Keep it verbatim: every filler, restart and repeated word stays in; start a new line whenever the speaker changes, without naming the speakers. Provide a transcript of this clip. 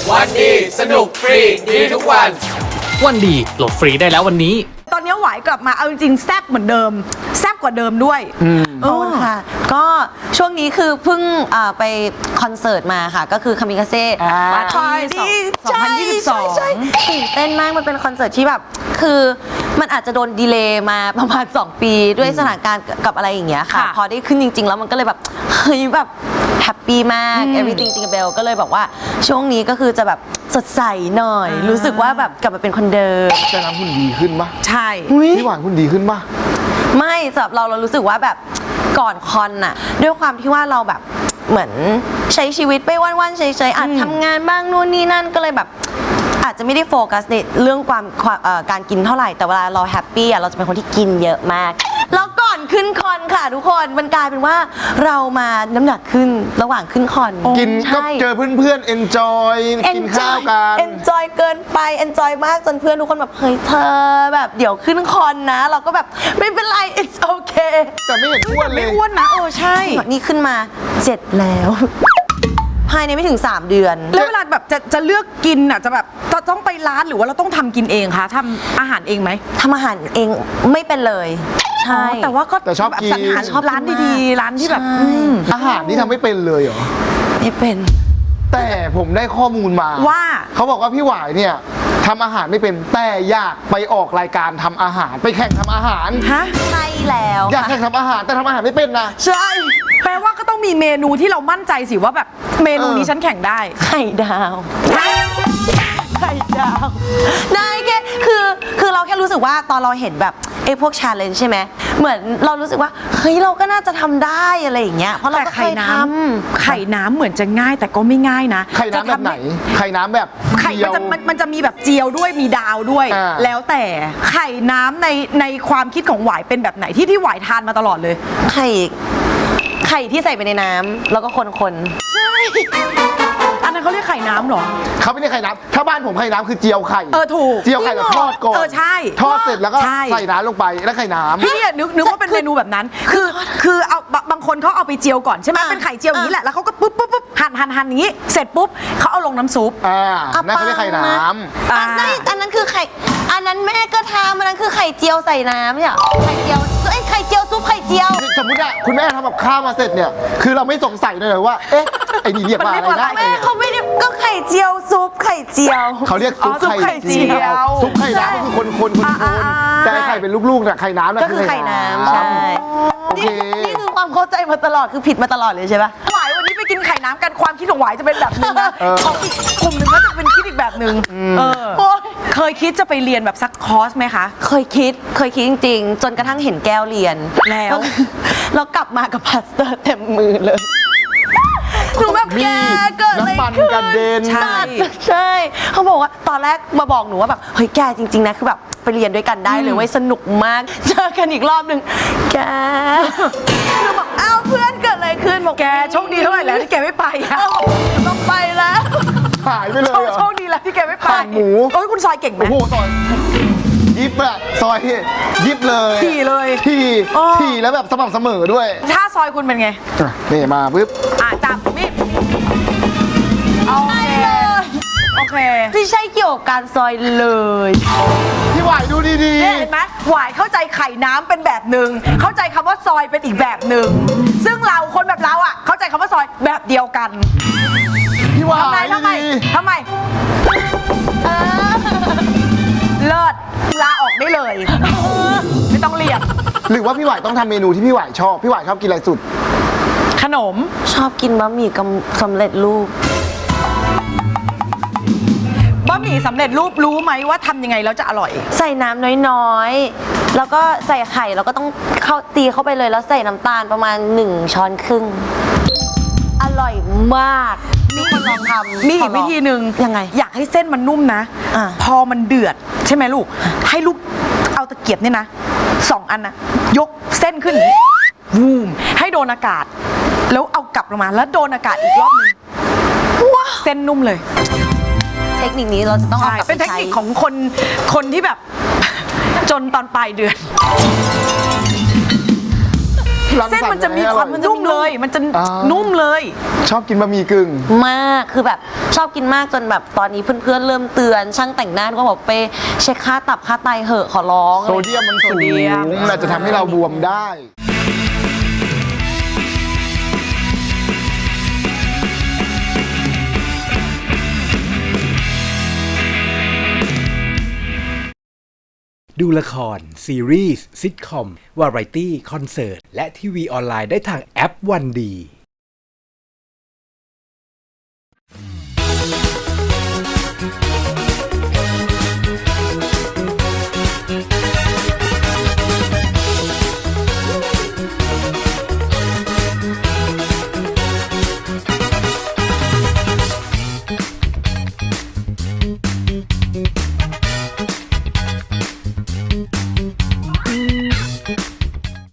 วันดีสนุกฟรีดีทุกวัน
วันดีโหลดฟรีได้แล้ววันนี้
ตอนนี้หวายกลับมาเอาจริงๆแซ่บเหมือนเดิมแซ่บกว่าเดิมด้วย
โอ้ค่ะก็ช่วงนี้คือเพิ่งไปคอนเสิร์ตมาค่ะก็คือคามิกาเซ่
มาที่สองพันยี่สิบสอง
ตื่นเต้นมากมันเป็นคอนเสิร์ตที่แบบคือมันอาจจะโดนดีเลย์มาประมาณสองปีด้วยสถานการณ์กับอะไรอย่างเงี้ยค่ะพอได้ขึ้นจริงๆแล้วมันก็เลยแบบเฮ้ยแบบแฮปปี้มาก everything จริงๆเบลก็เลยบอกว่าช่วงนี้ก็คือจะแบบสดใสหน่อยรู้สึกว่าแบบกลับมาเป็นคนเดิม
จะน้ำหุ่นดีขึ้นปะ
ใช่
พี่หวานหุ่นดีขึ้นปะ
ไม่สำหรับเราเรารู้สึกว่าแบบก่อนคอนน่ะด้วยความที่ว่าเราแบบเหมือนใช้ชีวิตไปวันๆเฉยๆอาจทำงานบ้างนู่นนี่นั่นก็เลยแบบอาจจะไม่ได้โฟกัสในเรื่องความการกินเท่าไหร่แต่เวลาเราแฮปปี้อ่ะเราจะเป็นคนที่กินเยอะมากแล้วก่อนขึ้นคอนค่ะทุกคนมันกลายเป็นว่าเรามาน้ำหนักขึ้นระหว่างขึ้นคอน
กินก็เจอเพื่อนๆ enjoy กินข้าวกัน
enjoy เกินไป enjoy มากจนเพื่อนทุกคนแบบเฮ้ยเธอแบบเดี๋ยวขึ้นคอนนะเราก็แบบไม่เป็นไร it's okay
แต่ไม่เห็นอ้วนเลย
ไม่อ้วนนะเออใช่
นี่ขึ้นมาเจ็ดแล้วภายในไม่ถึงสามเดือน
แล้วเวลาแบบจะจะเลือกกินอ่ะจะแบบต้องไปร้านหรือว่าเราต้องทำกินเองคะทำอาหารเองไหม
ทำอาหารเองไม่เป็นเลยใช่
แต่ว่าก็
แต่ชอบกิน
ชอบร้านดีๆร้านที่แบบ
อาหารนี่ทำไม่เป็นเลยเหรอ
ไม่เป็น
แต่ผมได้ข้อมูลมา
ว่า
เขาบอกว่าพี่หวายเนี่ยทำอาหารไม่เป็นแต่อยากไปออกรายการทำอาหารไปแข่งทำอาหาร
ฮะ
ใช่แล้ว
อยากแข่งทำอาหารแต่ทำอาหารไม่เป็นนะ
ใช่แปลว่าก็ต้องมีเมนูที่เรามั่นใจสิว่าแบบเมนูนี้ฉันแข่งได้
ไข่ดาวไข่ดาวได้แค่คือคือเราแค่รู้สึกว่าตอนเราเห็นแบบไอ้พวกชาเลนจ์ใช่ไหมเหมือนเรารู้สึกว่าเฮ้ยเราก็น่าจะทำได้อะไรอย่างเงี้ยเพราะเราก็เคยท
ำไข่น้ำเหมือนจะง่ายแต่ก็ไม่ง่ายนะ
ไข่น้ำแบบไหนไข่น้ำแบบ
ไข่มันจะมันจะมีแบบเจียวด้วยมีดาวด้วยแล้วแต่ไข่น้ำในในความคิดของหวายเป็นแบบไหนที่ที่หวายทานมาตลอดเลย
ไข่ไข่ที่ใส่ไปในน้ำแล้วก็คนๆ
ใช่อันนั้นเขาเรียกไข่น้ำหรอ
เขาไม่เรียกไข่น้ำถ้าบ้านผมไข่น้ำคือเจียวไข่
เออถูก
เจียวไข่แล้วทอดก่อน
เออใช่
ทอดเสร็จแล้วก็ใส่น้ำลงไปแล้วไข่น้ำ
พี่เนี่ยนึกนึกว่าเป็นเมนูแบบนั้นคือคือเอาบางคนเขาเอาไปเจียวก่อนใช่ไหมเป็นไข่เจียวอย่างนี้แหละแล้วเขาก็ปุ๊บปุ๊บปุ๊บหั่นหั่นหั่นอย่างนี้เสร็จปุ๊บเขาเอาลงน้ำซุป
อ่านั่นเขาเรียกไข่น้ำ
อันนั้นอันนั้นคือไข่อันนั้นแม่ก็ทำอันนั้นคือไข่เจียวใส่น้ำเนี่ยไข่เจียวไอ้ไข่เจียวซุปไข่เจียว
สมมติอะคุณแม่ทำแบบข้าวมาเสร็จเนี่ยคือเราไม่สงสัยเลยว่าเอ๊ะไอ้นี่เรียกว่าอะไรนะ
แม่เขาไม่ได้ก็ไข่เจียวซุปไข่เจียว
เขาเรียกซุปไข่เจียวซุปไข่น้ำก็คือคนคนคนคนแต่ไข่เป็นลูกๆเนี่ยไข่น้ำ
ก็คือไข่น้ำใช่นี่นี่คือความเข้าใจมาตลอดคือผิดมาตลอดเลยใช่ปะ
หวายวันนี้ไปกินไข่น้ำกันความคิดของหวายจะเป็นแบบนึงนะของอีกกลุ่มหนึ่งก็จะเป็นคิดอีกแบบนึงเคยคิดจะไปเรียนแบบซักคอร์สไหมคะ
เคยคิดเคยคิดจริงๆจนกระทั่งเห็นแก้วเรียน
แล้ว
แล้วกลับมากับพลาสเตอร์เต็มมือเลยหนูแบบแกเกิดอะไรขึ้น
กระเด็น
ใช่ใช่เขาบอกว่าตอนแรกมาบอกหนูว่าแบบเฮ้ยแกจริงๆนะคือแบบไปเรียนด้วยกันได้เลยเว้ยสนุกมากเจอกันอีกรอบหนึ่งแกหนูบอกอ้าวเพื่อนเกิดอะไรขึ้นบอก
แกโชคดีเท่าไหร่แล้วที่แกไม่ไปอะ
ต้องไปแล้ว
หายไปเลย
โชคดีแล้วที่แกไม่ไป
หมู
โอ้ยคุณซอยเก่งไหม
โอ้โหซอยยิบอะซอยยิบเลย
ถี่เลย
ถี่ถี่แล้วแบบสม่ำเสมอด้วย
ถ้าซอยคุณเป็นไง
นี่มาปึ๊บ
อ่ะจับมีดโอเคโอเค
ไม่ใช่เกี่ยวกับการซอยเลย
พี่หวายดูดีๆ
เห็นไหมหวายเข้าใจไข่น้ำเป็นแบบหนึ่งเข้าใจคำว่าซอยเป็นอีกแบบหนึ่งซึ่งเราคนแบบเราอ่ะเข้าใจคำว่าซอยแบบเดียวกัน
พี่หวาย
ทำไมทำไมเลิศลาออกได้เลยไม่ต้องเรียน
หรือว่าพี่หวายต้องทำเมนูที่พี่หวายชอบพี่หวายชอบกินอะไรสุด
ขนม
ชอบกินบะหมี่สำเร็จรูป
บะหมี่สำเร็จรูปรู้ไหมว่าทำยังไงแล้วจะอร่อย
ใส่น้ำน้อยๆแล้วก็ใส่ไข่แล้วก็ต้องเข้าตีเข้าไปเลยแล้วใส่น้ำตาลประมาณหนึ่งช้อนครึ่งอร่อยมาก
มีคนลองทำมีอีกวิธีหนึ่ง
ยังไง
อยากให้เส้นมันนุ่มนะพอมันเดือดใช่ไหมลูกให้ลูกเอาตะเกียบเนี่ยนะสองอันนะยกเส้นขึ้นวูมให้โดนอากาศแล้วเอากลับลงมาแล้วโดนอากาศอีกรอบนึงเส้นนุ่มเลย
เทคนิคนี้เราจะต้องเอากลับไปใช้
เป็นเทคนิคของคนคนที่แบบจนตอนปลายเดือน
รังสรรค์
เส้นมันจะมีความ
ให้อร่อย
นุ่มเลย มันจะ
อ่า
นุ่มเลย
ชอบกินบะหมี่กึ่ง
มากคือแบบชอบกินมากจนแบบตอนนี้เพื่อนๆเริ่มเตือนช่างแต่งหน้าก็บอกไปเช็คค่าตับค่าไตเหอะขอร้อง
โซเดียมมันสู
โซเดียม
งอาจจะทำให้เราบวมได้
ดูละคร ซีรีส์ซิทคอม วาไรตี้ คอนเสิร์ต และทีวีออนไลน์ได้ทางแอปวันดี